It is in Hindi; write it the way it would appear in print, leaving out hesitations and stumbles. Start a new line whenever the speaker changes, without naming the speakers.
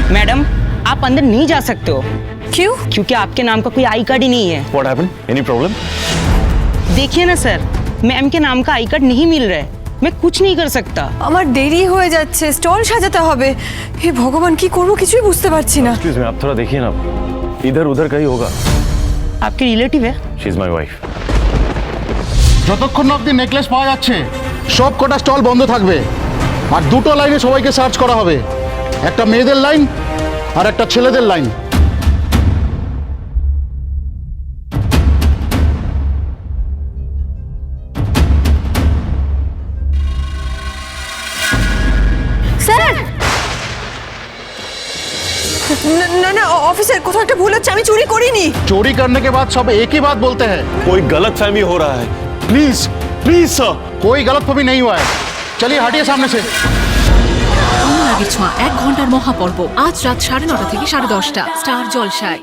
मैडम आप अंदर नहीं जा सकते हो।
क्यों?
क्योंकि आपके नाम का कोई आई कार्ड ही नहीं है।
What happened? Any problem?
देखिए ना सर, मैम के नाम का आई कार्ड नहीं मिल रहा है, मैं कुछ नहीं कर सकता।
আমার দেরি হয়ে যাচ্ছে, স্টল সাজাতে হবে। হে ভগবান, কি করব কিছুই বুঝতে পারছি না।
Excuse me, आप थोड़ा देखिए ना, इधर उधर कहीं होगा।
आपके रिलेटिव है?
She is my wife.
যতক্ষণ না অবধি নেকলেস পাওয়া যাচ্ছে সব কটা স্টল বন্ধ থাকবে। আর দুটো লাইনে সবাইকে সার্চ করা হবে, একটা মেয়েদের লাইন আর একটা ছেলেদের লাইন।
স্যার, না না অফিসার, কোথাও একটা ভুল হচ্ছে, আমি চুরি করিনি।
चोरी करने के बाद सब एक ही बात बोलते हैं।
कोई गलतफहमी हो रहा है। Please please sir.
कोई गलतफहमी नहीं हुआ है। चलिए हटिए सामने से।
অনুরাগের ছোঁয়া 1 ঘন্টার মহাপর্ব আজ রাত 9:30 থেকে 10:30 স্টার জলসায়।